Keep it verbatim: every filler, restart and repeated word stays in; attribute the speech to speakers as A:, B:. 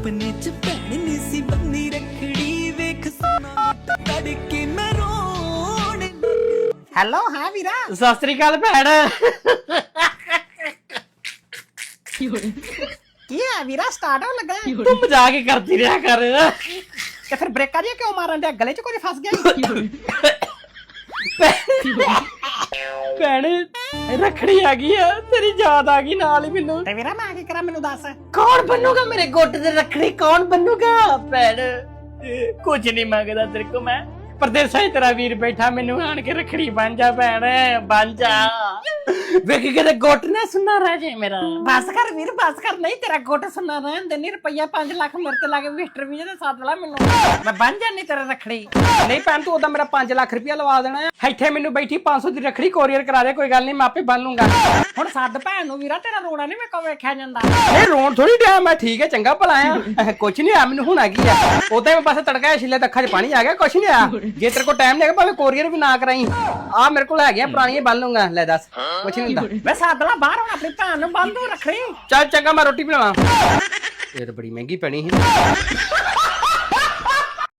A: ਸੁਪਨੇ ਚ ਭੈਣ ਨੀ ਸੀ ਬੰਨੀ ਰੱਖੜੀ ਵੇਖ ਸੋਨਾ ਤੜਕੇ ਮੈਂ ਰੋਣ
B: ਹੈਲੋ ਹਾਂ ਵੀਰਾ
C: ਸਤਿ ਸ੍ਰੀ ਅਕਾਲ ਭੈਣ।
B: ਕੀ ਹੈ ਵੀਰਾ ਸਟਾਰਟ ਹੋਣ ਲੱਗਾ
C: ਤੂੰ ਮਜ਼ਾਕ ਹੀ ਕਰਦੀ ਰਿਹਾ ਕਰ।
B: ਤੇ ਫਿਰ ਬ੍ਰੇਕਾਂ ਜਿਹਾ ਕਿਉਂ ਮਾਰਨ ਡਿਆ ਗਲੇ 'ਚ ਕੁਝ ਫਸ ਗਿਆ
C: ਭੈਣ ਰੱਖੜੀ ਆ ਗਈ ਆ ਤੇਰੀ ਯਾਦ ਆ ਗਈ ਨਾਲ ਹੀ ਮੈਨੂੰ।
B: ਤੇ ਵੀਰਾ ਮੈਂ ਕੀ ਕਰਾਂ ਮੈਨੂੰ ਦੱਸ
C: ਕੌਣ ਬਣੂਗਾ ਮੇਰੇ ਗੋਟ ਤੇ ਰੱਖੜੀ ਕੌਣ ਬਣੂਗਾ ਭੈਣ? ਕੁਝ ਨਹੀਂ ਮੰਗਦਾ ਤੇਰੇ ਕੋ ਮੈਂ ਪਰਦੇਸਾਂ ਹੀ ਤੇਰਾ ਵੀਰ ਬੈਠਾ ਮੈਨੂੰ ਆਣ ਕੇ ਰੱਖੜੀ ਬਣ ਜਾ ਭੈਣ ਬਣ ਜਾ। ਵੇਖ ਕਿਤੇ ਗੋਟ ਨਾ ਸੁਣਨਾ ਰਹਿ ਜੇ ਮੇਰਾ।
B: ਬਸ ਕਰ ਵੀਰ ਬਸ ਕਰ ਨਹੀਂ ਤੇਰਾ ਗੁੱਟ ਸੁਣਨਾ ਰਹਿਣ ਦੇ ਨਹੀਂ ਰੁਪਈਆ ਪੰਜ ਲੱਖ ਮੇਰੇ ਤੇ ਲਾ ਕੇ ਵਿਜ਼ਟਰ ਵੀਜ਼ੇ ਤੇ ਸੱਦ ਲੈ ਮੈਨੂੰ ਮੈਂ ਬਣ ਜਾਣੀ ਤੇਰਾ ਰੱਖੜੀ।
C: ਨਹੀਂ ਭੈਣ ਤੂੰ ਉਦਾਂ ਮੇਰਾ ਪੰਜ ਲੱਖ ਰੁਪਇਆ ਲਵਾ ਦੇਣਾ ਆ। ਇੱਥੇ ਮੈਨੂੰ ਬੈਠੀ ਪੰਜ ਸੌ ਦੀ ਰੱਖੜੀ ਕੋਰੀਅਰ ਕਰਾ ਦੇ ਕੋਈ ਗੱਲ ਨਹੀਂ ਮੈਂ ਆਪੇ ਬੰਨ ਲੂੰਗਾ।
B: ਹੁਣ ਸੱਦ ਭੈਣ ਨੂੰ ਵੀਰਾ ਤੇਰਾ ਰੋਣਾ ਨਹੀਂ ਮੇਰੇ ਕੋਲ ਵੇਖਿਆ ਜਾਂਦਾ।
C: ਇਹ ਰੋਣ ਥੋੜੀ ਡਿਆ ਮੈਂ ਠੀਕ ਹੈ ਚੰਗਾ ਭਲਾ ਆ ਕੁਛ ਨਹੀਂ ਆ ਮੈਨੂੰ ਹੁਣ ਆ ਗਈ ਆ ਉਦਾਂ ਮੈਂ ਬਸ ਤੜਕਾ ਛਿੱਲੇ ਤੇ ਅੱਖਾਂ 'ਚ ਪਾਣੀ ਆ ਗਿਆ ਕੁਛ ਨਹੀਂ ਆ। ਜੇ ਤੇਰੇ ਕੋਲ ਟਾਈਮ ਨਹੀਂ ਹੈਗਾ ਭਾਵੇਂ ਕੋਰੀਅਰ ਵੀ ਨਾ ਕਰਾਈ ਆ ਮੇਰੇ ਕੋਲ ਹੈਗੀਆਂ ਪੁਰਾਣੀਆਂ ਬੰਨ ਲੂੰਗਾ। ਲੈ ਦੱਸ ਕੁਛ ਨਹੀਂ ਹੁੰਦਾ।
B: ਮੈਂ ਸੱਦ ਲਾ ਬਾਹਰ ਹੁਣ ਆਪਣੀ ਭੈਣ ਨੂੰ ਬੰਨ ਦੂੰ ਰੱਖੜੀ।
C: ਚੱਲ ਚੰਗਾ ਮੈਂ ਰੋਟੀ ਬਣਾਵਾਂ। ਇਹ ਤਾਂ ਬੜੀ ਮਹਿੰਗੀ ਪੈਣੀ ਸੀ।